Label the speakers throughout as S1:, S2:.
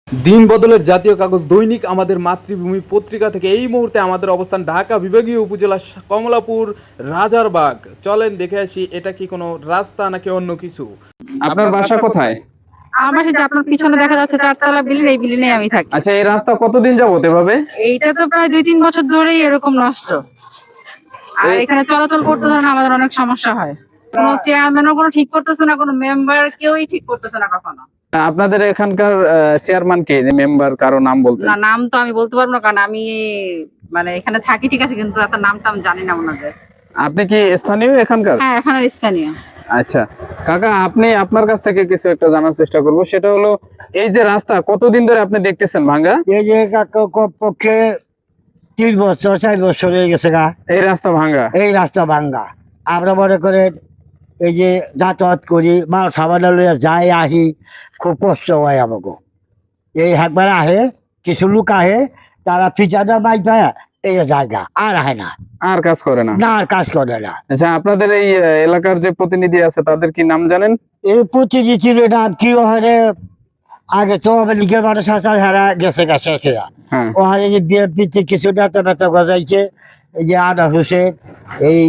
S1: দিন বদলের জাতীয় কাগজ দৈনিক আমাদের মাতৃভূমি পত্রিকা থেকে এই মুহূর্তে আমাদের অবস্থান ঢাকা বিভাগীয় উপজেলা কমলাপুর রাজারবাগ। চলেন দেখে আসি এটা কি কোনো রাস্তা নাকি অন্য কিছু।
S2: আপনার বাসা কোথায়?
S3: আমার যে আপনার পিছনে দেখা যাচ্ছে চারতলা বিল্ডিং, এই বিল্ডিং এ আমি থাকি।
S2: আচ্ছা, এই রাস্তা কতদিন যাবত এভাবে?
S3: এইটা তো প্রায় 2-3 বছর ধরেই এরকম নষ্ট, আর এখানে চলাচল করতে ধরেন আমাদের অনেক সমস্যা হয়। কোনো চেয়ারম্যানও কোনো ঠিক করতেছে না, কোনো মেম্বার কেউই ঠিক করতেছে না কখনো।
S2: আপনাদের এখানকার চেয়ারম্যান কে, মেম্বার কারো নাম বলতে?
S3: না, নাম তো আমি বলতে পারবো না, কারণ আমি মানে এখানে থাকি, ঠিক আছে, কিন্তু এত নামটা আমি জানি না ওনাদের।
S2: আপনি কি স্থানীয় এখানকার?
S3: হ্যাঁ, এখানের স্থানীয়।
S2: আচ্ছা কাকা, আপনার কাছ থেকে কিছু একটা জানার চেষ্টা করব। সেটা হলো, এই যে রাস্তা কতদিন ধরে আপনি দেখতেছেন ভাঙা?
S4: এই যে পক্ষে 3 বছর 4 বছর হয়ে গেছে গা
S2: এই রাস্তা ভাঙা।
S4: এই রাস্তা ভাঙ্গা। আমরা মনে করে এই যে যাতায়াত করি, মাল সাবান লইয়া যাই আহি, খুব কষ্ট হয় আমাকে। এই একবার আহে, কিছু লোক আহে, তারা ফিচাদা বাইক পায় এই জায়গা আর আহে না,
S2: আর কাজ করে না?
S4: না আর কাজ করে না।
S2: আচ্ছা, আপনাদের এই এলাকার যে প্রতিনিধি আছে তাদের কি নাম জানেন?
S4: এই প্রতিটি ছিল নাম কি ওখানে, আগে তো আমার লিগের মানুষ আছে, হারা গেছে গেছে
S2: হ্যাঁ।
S4: ওখানে যে বিএনপিতে কিছু নেতা নেতা গজাইছে, এই যে আনা হোসেন, এই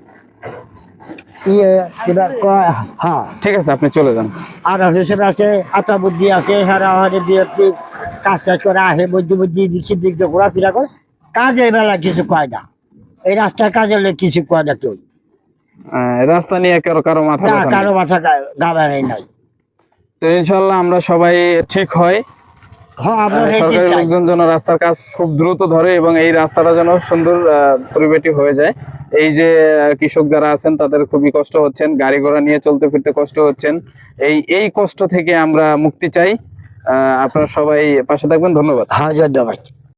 S4: হ্যাঁ
S2: ঠিক আছে, আপনি চলে যান।
S4: আনা হোসেন আছে, আতাবুদ্দি আছে, সারা ওখানে বিএনপি কাজ টাজ করে আসে, মধ্যে দিক দিয়ে ঘোরাফেরা করে, কাজের বেলা কিছু কয় না। এই রাস্তার কাজের লোক কিছু কয় না কেউ,
S2: রাস্তা নিয়ে কারো মাথা
S4: না
S2: ব্যথা
S4: কারো
S2: নেই।
S4: মাথা গাবারে নাই।
S2: তো ইনশাল্লাহ আমরা সবাই ঠিক হয়।
S4: হ্যাঁ, আমরা
S2: সরকারি লোকজন যেন রাস্তার কাজ খুব দ্রুত ধরে এবং এই রাস্তাটা যেন সুন্দর পরিপাটি হয়ে যায়। এই যে কৃষক যারা আছেন তাদের খুবই কষ্ট হচ্ছেন, গাড়ি ঘোড়া নিয়ে চলতে ফিরতে কষ্ট হচ্ছেন। এই কষ্ট থেকে আমরা মুক্তি চাই। আপনারা সবাই পাশে থাকবেন। ধন্যবাদ।
S4: হ্যাঁ, ধন্যবাদ।